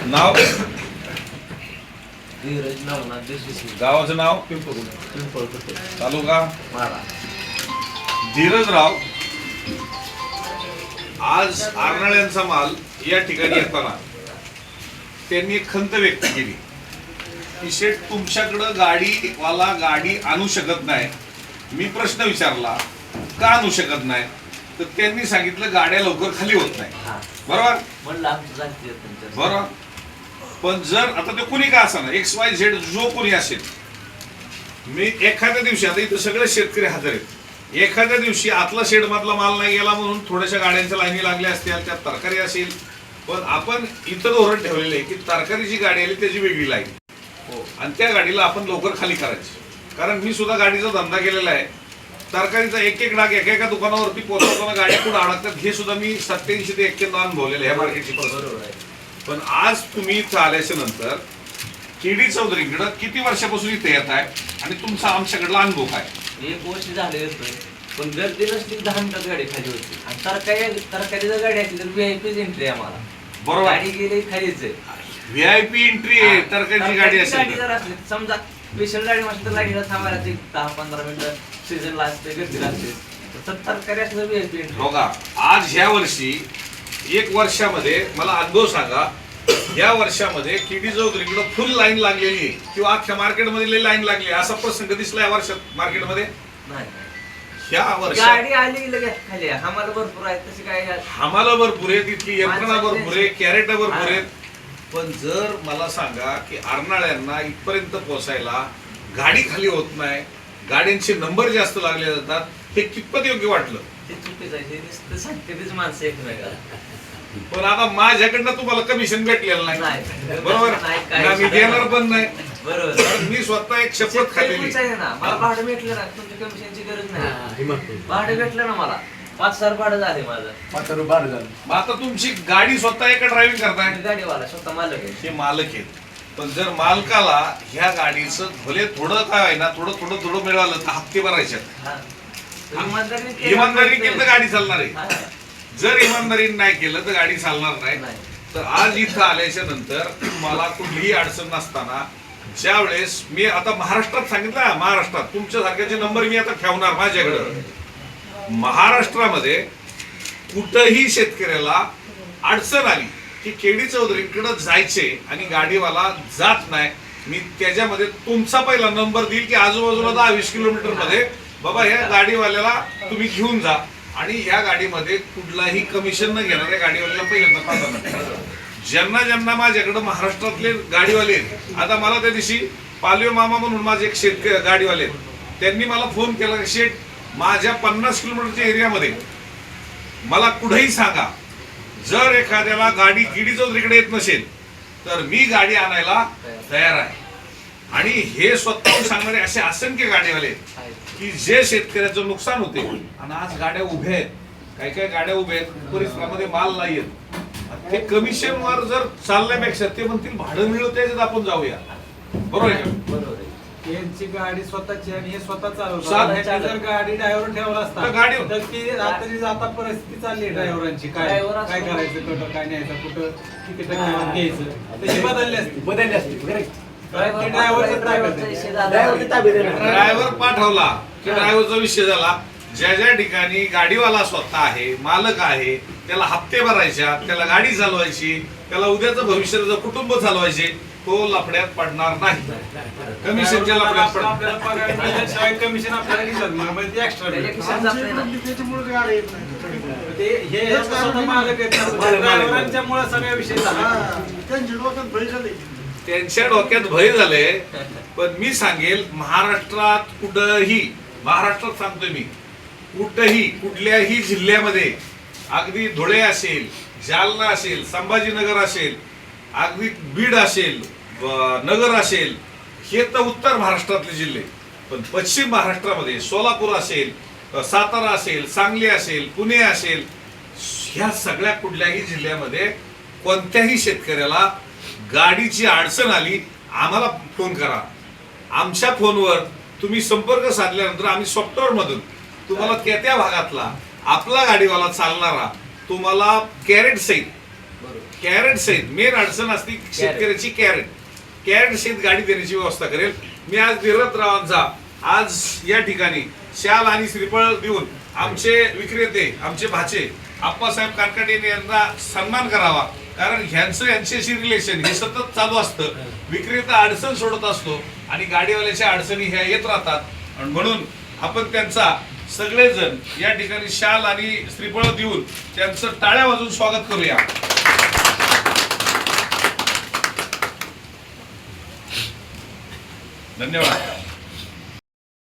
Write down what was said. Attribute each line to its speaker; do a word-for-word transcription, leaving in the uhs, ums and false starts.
Speaker 1: नाव
Speaker 2: धीरज नवनाथ देशमुख,
Speaker 1: गावाचं नाव
Speaker 2: पिंपळपट्टी,
Speaker 1: तालुका
Speaker 2: मारा.
Speaker 1: धीरजराव आज आरनाळ्यांचा माल या ठिकाणी येताना त्यांनी एक खंत व्यक्त केली की शेठ तुमच्याकडं गाडीवाला गाडी आणू शकत नाही. मी प्रश्न विचारला का आणू शकत नाही, तर त्यांनी सांगितलं गाड्या लवकर खाली होत नाही. बरोबर
Speaker 2: म्हणलं आमचं जाती आहे तुमच्या.
Speaker 1: बरोबर. पण जर आता ते कुणी का असा ना एक्स वाय झेड जो कोणी असेल, मी एखाद्या दिवशी आता इथं सगळे शेतकरी हजर आहेत, एखाद्या दिवशी आतला शेड मधला माल नाही गेला म्हणून थोड्याशा गाड्यांच्या लाईनी लागल्या असतील, त्यात तरकारी असेल, पण आपण इथं धोरण ठेवलेलं आहे की तरकारीची गाडी आली त्याची वेगळी लाईन हो, आणि त्या गाडीला आपण लवकर खाली करायची. कारण मी सुद्धा गाडीचा धंदा केलेला आहे. तरकारीचा एक एक डाग एका एका दुकानावरती पोहोचवताना गाड्या कुठं अडकतात हे सुद्धा मी सत्याऐंशी ते एक्क्याण्णव अनुभवलेलं आहे मार्केटची बरोबर आहे. पण आज तुम्ही इथं आल्याच्या नंतर केडी चौधरीकडं किती वर्षापासून इथे येत आहे आणि तुमचा आमच्याकडला अनुभव काय?
Speaker 2: एक वर्ष झाले येतोय, पण गर्दी नसली दहा मिनिटात गाडी खाली होती. आणि तरकारी तरकारी जर गाडी असली तर व्हीआयपी एंट्री आम्हाला. बरोबर. गाडी गेली खालीच आहे.
Speaker 1: व्हीआयपी एंट्री आहे तरकारीची गाडी
Speaker 2: गाडी जर असली समजा स्पेशल गाडी म्हटलं तर गाडीला थांबायला ते दहा पंधरा मिनिटं सीझनला असते, गर्दी लागते. तर तरकारी असलं व्हीआयपी एंट्री.
Speaker 1: बघा आज ह्या वर्षी एक वर्षामध्ये मला अनुभव सांगा, या वर्षामध्ये केडी चौधरीकडे फुल लाईन लागलेली आहे किंवा अख्ख्या मार्केटमध्ये लाईन लागली असा प्रसंग दिसला या वर्षात मार्केटमध्ये
Speaker 2: नाही.
Speaker 1: ह्या वर्षात
Speaker 2: गाडी आली लगेच खाली. आम्हाला भरपूर आहे तशी काय.
Speaker 1: आम्हाला भरपूर आहे, तिथली यंत्रणा भरपूर आहे, कॅरेट भरपूर आहेत. पण जर मला सांगा की आरनाळ्यांना इथपर्यंत पोहोचायला गाडी खाली होत नाही, गाड्यांचे नंबर जास्त लागले जातात, हे कितपत योग्य वाटलं?
Speaker 2: ते चुकीचं आहे. हे नुसतं सांगतेच माणसं एकमेकाला.
Speaker 1: पण आता माझ्याकडनं तुम्हाला कमिशन भेटलेलं नाही
Speaker 2: नाही.
Speaker 1: बरोबर,
Speaker 2: नाही, काही
Speaker 1: मी देणार पण नाही.
Speaker 2: बरोबर.
Speaker 1: कारण मी स्वतः एक शपथ खाल्लेली
Speaker 2: आहे ना. मला भाडं भेटलं ना, तुमच्या कमिशनची गरज नाही. भाडं भेटलं ना मला, पाच हजार भाडं झाले माझं.
Speaker 3: पाच हजार भाडं झालं.
Speaker 1: मग आता तुमची गाडी स्वतः एका ड्रायव्हिंग करताय,
Speaker 2: गाडीवाला स्वतः मालक आहे.
Speaker 1: हे मालक आहेत. पण जर मालकाला ह्या गाडीचं भले थोडं काय आहे ना, थोडं थोडं थोडं मिळालं तर हप्ते भरायचे.
Speaker 2: इमानदारी
Speaker 1: इमानदारी केलं तर गाडी चालणार आहे. जर इमानदारी नाही केलं तर गाडी चालणार नाही. तर आज इथं आल्याच्या नंतर मला कुठलीही अडचण नसताना, ज्या वेळेस मी आता महाराष्ट्रात सांगितलं, महाराष्ट्रात तुमच्या सारख्याचे नंबर मी आता ठेवणार माझ्याकडे. महाराष्ट्रामध्ये कुठंही शेतकऱ्याला अडचण आली की केडी चौधरीकडे जायचे आणि गाडीवाला जात नाही, मी त्याच्यामध्ये तुमचा पहिला नंबर देईल की आजूबाजूला दहा वीस किलोमीटर मध्ये बाबा ह्या गाडीवाल्याला तुम्ही घेऊन जा आणि ह्या गाडीमध्ये कुठलाही कमिशन न घेणाऱ्या गाडीवाल्याला पहिल्यांदा पाठवणार. ज्यांना ज्यांना माझ्याकडे महाराष्ट्रातले गाडीवाले आहेत, आता मला त्या दिवशी पालवे मामा म्हणून माझे एक शेतकरी गाडीवाले आहेत, त्यांनी मला फोन केला की शेठ माझ्या पन्नास किलोमीटरच्या एरियामध्ये मला कुठेही सांगा, जर एखाद्याला गाडी केडी चौधरीकडे येत नसेल तर मी गाडी आणायला तयार आहे. आणि हे स्वतःहून सांगणारे असे असंख्य गाडीवाले आहेत की जे शेतकऱ्याचं नुकसान होते. आणि आज गाड्या उभ्या आहेत, काही काही गाड्या उभ्या आहेत, परिसरामध्ये माल नाही येत, ते कमिशन वर जर चालण्यापेक्षा ते म्हणतील भाडं मिळतं त्याच्यात आपण जाऊया. बरोबर आहे का?
Speaker 2: बरोबर आहे.
Speaker 4: यांची गाडी स्वतःची आणि हे स्वतः
Speaker 1: स्वतः
Speaker 4: चालवतात. जर गाडी ड्रायव्हर ठेवला असता
Speaker 1: तर गाडी-
Speaker 4: तर ती आता आता परिस्थिती चालली आहे ड्रायव्हरांची. काय
Speaker 2: ड्रायव्हर
Speaker 4: काय
Speaker 2: असतो.
Speaker 4: करायचं, कुठं काय न्यायचं, कुठं किती टक्के घ्यायचं, तशी बदलली असती.
Speaker 3: बदलली असते.
Speaker 4: ड्रायव्हरचा ताब्यात आहे.
Speaker 3: ड्रायव्हरची ताब्यात आहे.
Speaker 1: ड्रायव्हर पाठवला की ड्रायव्हरचा विषय झाला. ज्या ज्या ठिकाणी गाडीवाला स्वतः आहे, मालक आहे, त्याला हप्ते भरायच्या, त्याला गाडी चालवायची, त्याला उद्याचं भविष्याचं कुटुंब चालवायचे, तो लफड्यात पडणार नाही. कमिशनच्या लफड्यात पडणार.
Speaker 4: आपल्याला पगार मिळाल्याशिवाय कमिशन आपल्याला दिसत नाही, म्हणजे ते एक्स्ट्रा
Speaker 2: त्याच्या
Speaker 4: मिळतं.
Speaker 2: खिशात जात नाही ना.
Speaker 4: ते हे स्वतः मालक आहेत ना, ड्रायव्हरांच्यामुळे सगळा विषय झाला.
Speaker 1: त्यांच्या डोक्यात भय झाले. पण मी सांगेल महाराष्ट्रात कुठंही, महाराष्ट्रात सांगतोय मी, कुठंही कुठल्याही जिल्ह्यामध्ये, अगदी धुळे असेल, जालना असेल, संभाजीनगर असेल, अगदी बीड असेल, नगर असेल, हे तर उत्तर महाराष्ट्रातले जिल्हे. पण पश्चिम महाराष्ट्रामध्ये सोलापूर असेल, सातारा असेल, सांगली असेल, पुणे असेल, ह्या सगळ्या कुठल्याही जिल्ह्यामध्ये कोणत्याही शेतकऱ्याला गाडीची अडचण आली आम्हाला फोन करा. आमच्या फोनवर तुम्ही संपर्क साधल्यानंतर आम्ही सॉफ्टवेअर मधून तुम्हाला त्या त्या भागातला आपला गाडीवाला चालणारा तुम्हाला कॅरेट सहित कॅरेट सहित मेन अडचण असती शेतकऱ्याची कॅरेट कॅरेट सहित गाडी देण्याची व्यवस्था करेल. मी आज धीरजरावांचा आज या ठिकाणी शाल आणि श्रीफळ देऊन आमचे विक्रेते आमचे भाचे आप्पासाहेब कानकाटे यांना सन्मान करावा, कारण ह्यांचं यांच्याशी रिलेशन हे सतत चालू असतं. विक्रेता अडचण सोडत असतो आणि गाडीवाल्याच्या अडचणी ह्या येत राहतात, आणि म्हणून आपण त्यांचा सगळेजण या ठिकाणी शाल आणि श्रीफळ देऊन त्यांचं टाळ्या वाजून स्वागत करूया. धन्यवाद.